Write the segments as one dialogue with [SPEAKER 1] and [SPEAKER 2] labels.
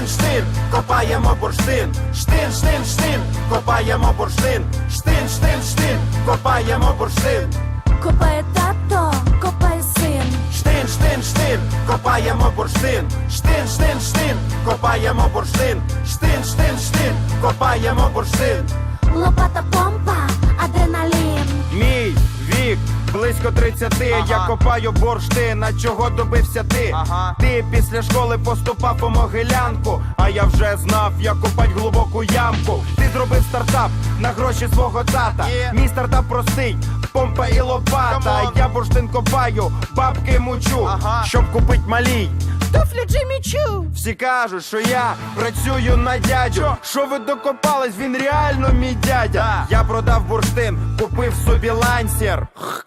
[SPEAKER 1] штин, копаємо бурштин, штин, штин, штин, копаємо бурштин, штин, штин, штин, копаємо бурштин.
[SPEAKER 2] Копає тато, копає син.
[SPEAKER 1] Штин, штин, штин, копаємо бурштин, штин, штин, штин, копаємо бурштин, штин, штин, штин, копаємо бурштин.
[SPEAKER 2] Лопата, помпа, адреналін.
[SPEAKER 3] Мій вік близько 30, я копаю бурштин, а чого добився ти? Ти після школи поступав у Могилянку, а я вже знав, як копать глибоку ямку. Ти зробив стартап на гроші свого тата. Мій стартап простий, помпа і лопата. Я бурштин копаю, бабки мучу, щоб купить малій туфлі Джиммі Чу. Всі кажуть, що я працюю на дядю. Що ви докопались, він реально мій дядя. Я продав бурштин, купив собі лансер.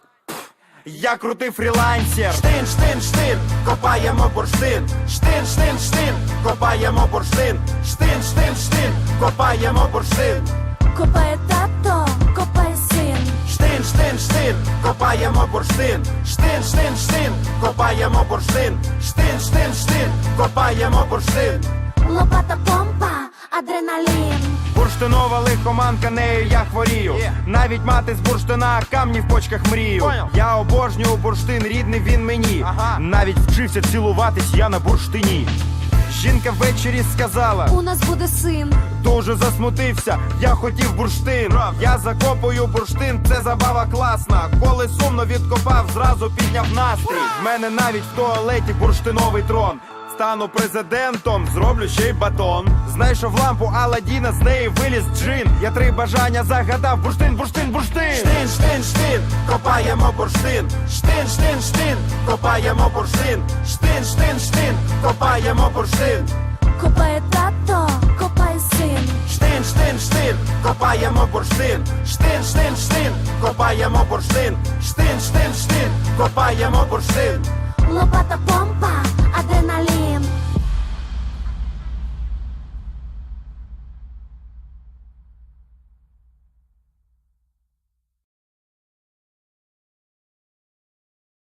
[SPEAKER 3] Я крутий фрілансер.
[SPEAKER 1] Штин, штин, штин, копаємо бурштин, штин, штин, штин, копаємо бурштин, штин, штин, штин, копаємо бурштин.
[SPEAKER 2] Копає тато, копає син.
[SPEAKER 1] Штин, штин, штин, копаємо бурштин, штин, штин, штин, копаємо бурштин, штин, штин, штин, копаємо бурштин.
[SPEAKER 2] Лопата, помпа, адреналін.
[SPEAKER 3] Бурштинова лихоманка, нею я хворію. Навіть мати з бурштина камні в почках мрію. Я обожнюю бурштин, рідний він мені. Навіть вчився цілуватись я на бурштині. Жінка ввечері сказала:
[SPEAKER 2] У нас буде син.
[SPEAKER 3] Дуже засмутився, я хотів бурштин. Я закопую бурштин, це забава класна. Коли сумно відкопав, зразу підняв настрій. В мене навіть в туалеті бурштиновий трон. Стану президентом, зроблю ще й батон. Знайшов лампу Аладдіна, з неї виліз джин. Я 3 бажання загадав: бурштин, бурштин, бурштин.
[SPEAKER 1] Штин, штин, штин, копаємо бурштин, штин, штин, штин, копаємо бурштин, штин, штин, штин, копаємо бурштин.
[SPEAKER 2] Копає тато, копає син.
[SPEAKER 1] Штин, штин, штин, копаємо бурштин, штин, штин, штин, копаємо бурштин, штин, штин, штин, копаємо бурштин.
[SPEAKER 2] Лопата, помпа,